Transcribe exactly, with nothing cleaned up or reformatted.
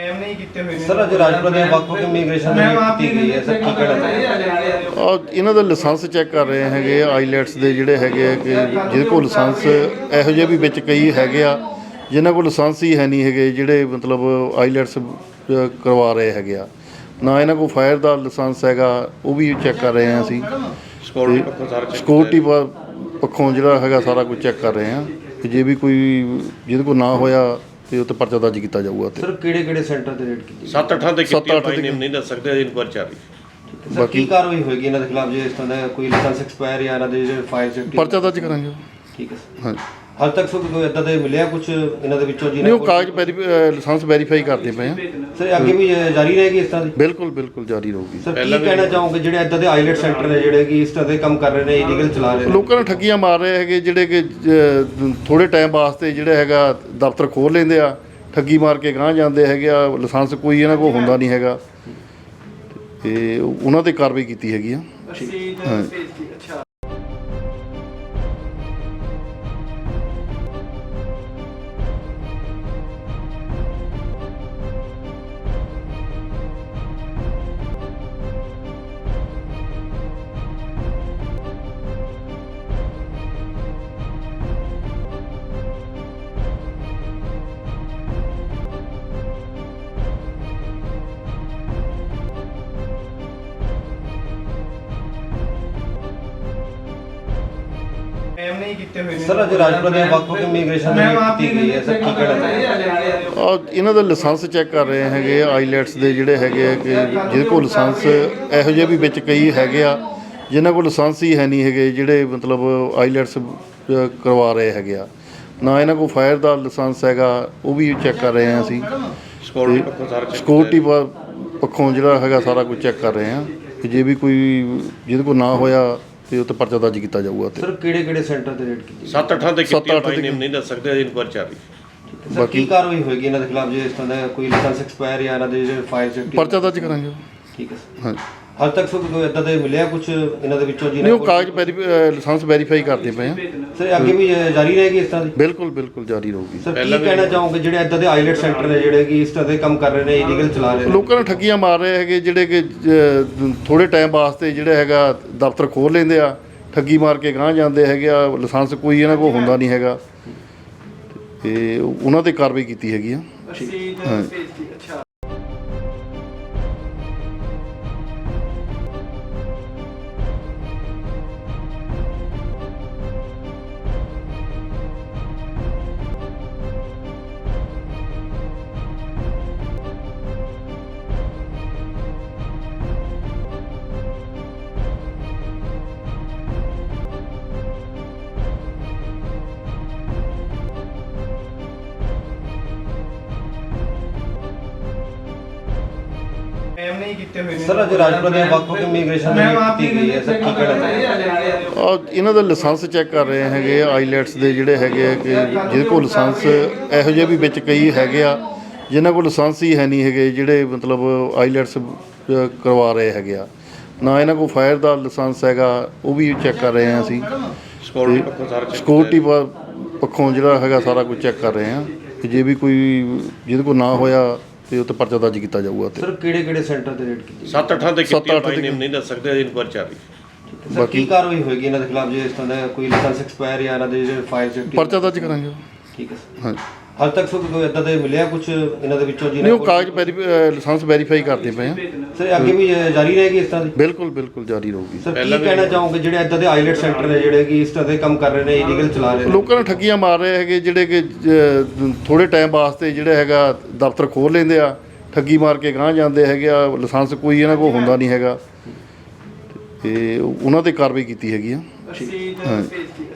ਨਹੀਂ ਕੀਤੇ ਹੋਏ ਨੇ ਸਰ ਅੱਜ ਰਾਜਪੁਰਾ ਦੇ ਵੱਖ-ਵੱਖ ਇਮੀਗ੍ਰੇਸ਼ਨ ਦੀ ਕੀਤੀ ਗਈ ਹੈ ਸਰ ਕੀ ਕਹਿਣਾ ਆ ਇਹਨਾਂ ਦਾ ਲਾਇਸੈਂਸ ਚੈੱਕ ਕਰ ਰਹੇ ਹੈਗੇ ਆਈਲੈਟਸ ਦੇ ਜਿਹੜੇ ਹੈਗੇ ਆ ਕਿ ਜਿਹਦੇ ਕੋਲ ਲਾਇਸੈਂਸ ਇਹੋ ਜਿਹੇ ਵੀ ਵਿੱਚ ਕਈ ਹੈਗੇ ਆ ਜਿਨ੍ਹਾਂ ਕੋਲ ਲਾਇਸੈਂਸ ਹੀ ਹੈ ਨਹੀਂ ਹੈਗੇ ਜਿਹੜੇ ਮਤਲਬ ਆਈਲੈਟਸ ਕਰਵਾ ਰਹੇ ਹੈਗੇ ਆ ਨਾ ਇਹਨਾਂ ਕੋਲ ਫਾਇਰ ਦਾ ਲਾਇਸੈਂਸ ਹੈਗਾ ਉਹ ਵੀ ਚੈੱਕ ਕਰ ਰਹੇ ਹਾਂ ਅਸੀਂ ਸਿਕਿਉਰਿਟੀ ਪੱਖੋਂ ਸਾਰਾ ਸਿਕਿਉਰਿਟੀ ਪੱਖੋਂ ਜਿਹੜਾ ਹੈਗਾ ਸਾਰਾ ਕੁਝ ਚੈੱਕ ਕਰ ਰਹੇ ਹਾਂ ਕਿ ਜੇ ਵੀ ਕੋਈ ਜਿਹਦੇ ਕੋਲ ਨਾ ਹੋਇਆ ਤੇ ਉਹ ਤੇ ਪਰਚਾ ਦਰਜ ਕੀਤਾ ਜਾਊਗਾ। ਤੇ ਸਰ ਕਿਹੜੇ ਕਿਹੜੇ ਸੈਂਟਰ ਤੇ ਰੇਡ ਕੀਤੀ ਸੱਤ ਅੱਠਾਂ ਤੇ ਕੀਤੀ ਬਾਈ ਨੇਮ ਨਹੀਂ ਦੱਸ ਸਕਦੇ ਅਜੇ ਇਨਕੁਆਇਰੀ ਚੱਲ ਰਹੀ। ਸਰ ਕੀ ਕਾਰਵਾਈ ਹੋਏਗੀ ਇਹਨਾਂ ਦੇ ਖਿਲਾਫ ਜੇ ਇਸ ਤਰ੍ਹਾਂ ਦਾ ਕੋਈ ਲਾਇਸੈਂਸ ਐਕਸਪਾਇਰ ਜਾਂ ਇਹਨਾਂ ਦੇ ਜਿਹੜੇ ਫਾਇਰ ਸੇਫਟੀ ਪਰਚਾ ਦਰਜ ਕਰਾਂਗੇ। ਠੀਕ ਹੈ ਸਰ। ਹਾਂ ਹਾਲ ਤੱਕ ਸਰ ਕੋਈ ਇਦਾਂ ਦੇ ਮਿਲਿਆ ਕੁਝ ਇਹਨਾਂ ਦੇ ਵਿੱਚੋਂ ਨਹੀਂ ਉਹ ਕਾਗਜ਼ ਲਾਇਸੈਂਸ ਵੈਰੀਫਾਈ ਕਰਦੇ ਪਏ ਆ ਸਰ ਅੱਗੇ ਵੀ ਜਾਰੀ ਰਹੇਗੀ ਇਸ ਤਰ੍ਹਾਂ ਦੀ ਬਿਲਕੁਲ ਬਿਲਕੁਲ ਜਾਰੀ ਰਹੂਗੀ। ਸਰ ਕੀ ਕਹਿਣਾ ਚਾਹੋਗੇ ਜਿਹੜੇ ਇਦਾਂ ਦੇ ਆਈਲੈਟ ਸੈਂਟਰ ਨੇ ਜਿਹੜੇ ਕਿ ਇਸ ਤਰ੍ਹਾਂ ਦੇ ਕੰਮ ਕਰ ਰਹੇ ਨੇ ਇਲੀਗਲ ਚਲਾ ਰਹੇ ਨੇ ਲੋਕਾਂ ਨੂੰ ਠੱਗੀਆਂ ਮਾਰ ਰਹੇ ਹੈਗੇ ਜਿਹੜੇ ਕਿ ਥੋੜੇ ਟਾਈਮ ਵਾਸਤੇ ਜਿਹੜਾ ਹੈਗਾ ਦਫ਼ਤਰ ਖੋਲ ਲੈਂਦੇ ਆ ਠੱਗੀ ਮਾਰ ਕੇ ਗਾਂਹ ਜਾਂਦੇ ਹੈਗੇ ਆ ਲਾਇਸੈਂਸ ਕੋਈ ਇਹਨਾਂ ਕੋਲ ਹੁੰਦਾ ਨਹੀਂ ਹੈਗਾ ਤੇ ਉਹਨਾਂ ਤੇ ਕਾਰਵਾਈ ਕੀਤੀ ਹੈਗੀ ਆ। ਹਾਂ ਨਹੀਂ ਕੀਤੇ ਹੋਏ ਨੇ ਸਰ ਅੱਜ ਰਾਜਪੁਰਾ ਦੇ ਵੱਖ-ਵੱਖ ਇਮੀਗ੍ਰੇਸ਼ਨ ਦੀ ਕੀਤੀ ਗਈ ਹੈ ਸਰ ਕੀ ਕਹਿਣਾ ਆ ਇਹਨਾਂ ਦਾ ਲਾਇਸੈਂਸ ਚੈੱਕ ਕਰ ਰਹੇ ਹੈਗੇ ਆਈਲੈਟਸ ਦੇ ਜਿਹੜੇ ਹੈਗੇ ਆ ਕਿ ਜਿਹਦੇ ਕੋਲ ਲਾਇਸੈਂਸ ਇਹੋ ਜਿਹੇ ਵੀ ਵਿੱਚ ਕਈ ਹੈਗੇ ਆ ਜਿਨ੍ਹਾਂ ਕੋਲ ਲਾਇਸੈਂਸ ਹੀ ਹੈ ਨਹੀਂ ਹੈਗੇ ਜਿਹੜੇ ਮਤਲਬ ਆਈਲੈਟਸ ਕਰਵਾ ਰਹੇ ਹੈਗੇ ਆ ਨਾ ਇਹਨਾਂ ਕੋਲ ਫਾਇਰ ਦਾ ਲਾਇਸੈਂਸ ਹੈਗਾ ਉਹ ਵੀ ਚੈੱਕ ਕਰ ਰਹੇ ਹਾਂ ਅਸੀਂ ਸਿਕਿਉਰਿਟੀ ਪੱਖੋਂ ਸਾਰਾ ਸਿਕਿਉਰਿਟੀ ਪੱਖੋਂ ਜਿਹੜਾ ਹੈਗਾ ਸਾਰਾ ਕੁਝ ਚੈੱਕ ਕਰ ਰਹੇ ਹਾਂ ਕਿ ਜੇ ਵੀ ਕੋਈ ਜਿਹਦੇ ਕੋਲ ਨਾ ਹੋਇਆ ਤੇ ਉਹ ਤੇ ਪਰਚਾ ਦਰਜ ਕੀਤਾ ਜਾਊਗਾ। ਤੇ ਸਰ ਕਿਹੜੇ ਕਿਹੜੇ ਸੈਂਟਰ ਤੇ ਰੇਡ ਕੀਤੀ ਸੱਤ ਅੱਠਾਂ ਤੇ ਕੀਤੀ ਬਾਈ ਨੇਮ ਨਹੀਂ ਦੱਸ ਸਕਦੇ ਅਜੇ ਇਨਕੁਆਇਰੀ ਚੱਲ ਰਹੀ। ਸਰ ਕੀ ਕਾਰਵਾਈ ਹੋਏਗੀ ਇਹਨਾਂ ਦੇ ਖਿਲਾਫ ਜੇ ਇਸ ਤਰ੍ਹਾਂ ਦਾ ਕੋਈ ਲਾਇਸੈਂਸ ਐਕਸਪਾਇਰ ਜਾਂ ਇਹਨਾਂ ਦੇ ਜਿਹੜੇ ਫਾਇਰ ਸੇਫਟੀ ਪਰਚਾ ਦਰਜ ਕਰਾਂਗੇ। ਠੀਕ ਹੈ ਸਰ। ਹਾਂ ਹਾਲ ਤੱਕ ਸਰ ਕੋਈ ਇਦਾਂ ਦੇ ਮਿਲਿਆ ਕੁਝ ਇਹਨਾਂ ਦੇ ਵਿੱਚੋਂ ਨਹੀਂ ਉਹ ਕਾਗਜ਼ ਲਾਇਸੈਂਸ ਵੈਰੀਫਾਈ ਕਰਦੇ ਪਏ ਆ ਸਰ ਅੱਗੇ ਵੀ ਜਾਰੀ ਰਹੇਗੀ ਇਸ ਤਰ੍ਹਾਂ ਦੀ ਬਿਲਕੁਲ ਬਿਲਕੁਲ ਜਾਰੀ ਰਹੂਗੀ। ਸਰ ਕੀ ਕਹਿਣਾ ਚਾਹੋਗੇ ਜਿਹੜੇ ਇਦਾਂ ਦੇ ਆਈਲੈਟ ਸੈਂਟਰ ਨੇ ਜਿਹੜੇ ਕਿ ਇਸ ਤਰ੍ਹਾਂ ਦੇ ਕੰਮ ਕਰ ਰਹੇ ਨੇ ਇਲੀਗਲ ਚਲਾ ਰਹੇ ਨੇ ਲੋਕਾਂ ਨੂੰ ਠੱਗੀਆਂ ਮਾਰ ਰਹੇ ਹੈਗੇ ਜਿਹੜੇ ਕਿ ਥੋੜੇ ਟਾਈਮ ਵਾਸਤੇ ਜਿਹੜਾ ਹੈਗਾ ਦਫ਼ਤਰ ਖੋਲ ਲੈਂਦੇ ਆ ਠੱਗੀ ਮਾਰ ਕੇ ਗਾਂਹ ਜਾਂਦੇ ਹੈਗੇ ਆ ਲਾਇਸੈਂਸ ਕੋਈ ਇਹਨਾਂ ਕੋਲ ਹੁੰਦਾ ਨਹੀਂ ਹੈਗਾ ਤੇ ਉਹਨਾਂ ਤੇ ਕਾਰਵਾਈ ਕੀਤੀ ਹੈਗੀ ਆ। ਹਾਂ ਨਹੀਂ ਕੀਤੇ ਹੋਏ ਨੇ ਸਰ ਅੱਜ ਰਾਜਪੁਰਾ ਦੇ ਵੱਖ-ਵੱਖ ਇਮੀਗ੍ਰੇਸ਼ਨ ਦੀ ਕੀਤੀ ਗਈ ਹੈ ਸਰ ਕੀ ਕਹਿਣਾ ਆ ਇਹਨਾਂ ਦਾ ਲਾਇਸੈਂਸ ਚੈੱਕ ਕਰ ਰਹੇ ਹੈਗੇ ਆਈਲੈਟਸ ਦੇ ਜਿਹੜੇ ਹੈਗੇ ਆ ਕਿ ਜਿਹਦੇ ਕੋਲ ਲਾਇਸੈਂਸ ਇਹੋ ਜਿਹੇ ਵੀ ਵਿੱਚ ਕਈ ਹੈਗੇ ਆ ਜਿਨ੍ਹਾਂ ਕੋਲ ਲਾਇਸੈਂਸ ਹੀ ਹੈ ਨਹੀਂ ਹੈਗੇ ਜਿਹੜੇ ਮਤਲਬ ਆਈਲੈਟਸ ਕਰਵਾ ਰਹੇ ਹੈਗੇ ਆ ਨਾ ਇਹਨਾਂ ਕੋਲ ਫਾਇਰ ਦਾ ਲਾਇਸੈਂਸ ਹੈਗਾ ਉਹ ਵੀ ਚੈੱਕ ਕਰ ਰਹੇ ਹਾਂ ਅਸੀਂ ਸਿਕਿਉਰਿਟੀ ਪੱਖੋਂ ਸਾਰਾ ਸਿਕਿਉਰਿਟੀ ਪੱਖੋਂ ਜਿਹੜਾ ਹੈਗਾ ਸਾਰਾ ਕੁਝ ਚੈੱਕ ਕਰ ਰਹੇ ਹਾਂ ਕਿ ਜੇ ਵੀ ਕੋਈ ਜਿਹਦੇ ਕੋਲ ਨਾ ਹੋਇਆ ਤੇ ਉਹ ਤੇ ਪਰਚਾ ਦਰਜ ਕੀਤਾ ਜਾਊਗਾ। ਤੇ ਸਰ ਕਿਹੜੇ ਕਿਹੜੇ ਸੈਂਟਰ ਤੇ ਰੇਡ ਕੀਤੀ ਸੱਤ ਅੱਠਾਂ ਤੇ ਕੀਤੀ ਬਾਈ ਨੇਮ ਨਹੀਂ ਦੱਸ ਸਕਦੇ ਅਜੇ ਇਨਕੁਆਇਰੀ ਚੱਲ ਰਹੀ। ਸਰ ਕੀ ਕਾਰਵਾਈ ਹੋਏਗੀ ਇਹਨਾਂ ਦੇ ਖਿਲਾਫ ਜੇ ਇਸ ਤਰ੍ਹਾਂ ਦਾ ਕੋਈ ਲਾਇਸੈਂਸ ਐਕਸਪਾਇਰ ਜਾਂ ਇਹਨਾਂ ਦੇ ਜਿਹੜੇ ਫਾਇਰ ਸੇਫਟੀ ਪਰਚਾ ਦਰਜ ਕਰਾਂਗੇ। ਠੀਕ ਹੈ ਸਰ। ਹਾਂ ਹਾਲ ਤੱਕ ਸਰ ਕੋਈ ਇਦਾਂ ਦੇ ਮਿਲਿਆ ਕੁਝ ਇਹਨਾਂ ਦੇ ਵਿੱਚੋਂ ਨਹੀਂ ਉਹ ਕਾਗਜ਼ ਲਾਇਸੈਂਸ ਵੈਰੀਫਾਈ ਕਰਦੇ ਪਏ ਆ ਸਰ ਅੱਗੇ ਵੀ ਜਾਰੀ ਰਹੇਗੀ ਇਸ ਤਰ੍ਹਾਂ ਦੀ ਬਿਲਕੁਲ ਬਿਲਕੁਲ ਜਾਰੀ ਰਹੂਗੀ। ਸਰ ਕੀ ਕਹਿਣਾ ਚਾਹੋਗੇ ਜਿਹੜੇ ਇਦਾਂ ਦੇ ਆਈਲੈਟ ਸੈਂਟਰ ਨੇ ਜਿਹੜੇ ਕਿ ਇਸ ਤਰ੍ਹਾਂ ਦੇ ਕੰਮ ਕਰ ਰਹੇ ਨੇ ਇਲੀਗਲ ਚਲਾ ਰਹੇ ਨੇ ਲੋਕਾਂ ਨੂੰ ਠੱਗੀਆਂ ਮਾਰ ਰਹੇ ਹੈਗੇ ਜਿਹੜੇ ਕਿ ਥੋੜੇ ਟਾਈਮ ਵਾਸਤੇ ਜਿਹੜਾ ਹੈਗਾ ਦਫ਼ਤਰ ਖੋਲ ਲੈਂਦੇ ਆ ਠੱਗੀ ਮਾਰ ਕੇ ਗਾਂਹ ਜਾਂਦੇ ਹੈਗੇ ਆ ਲਾਇਸੈਂਸ ਕੋਈ ਇਹਨਾਂ ਕੋਲ ਹੁੰਦਾ ਨਹੀਂ ਹੈਗਾ ਤੇ ਉਹਨਾਂ ਤੇ ਕਾਰਵਾਈ ਕੀਤੀ ਹੈਗੀ ਆ। ਹਾਂ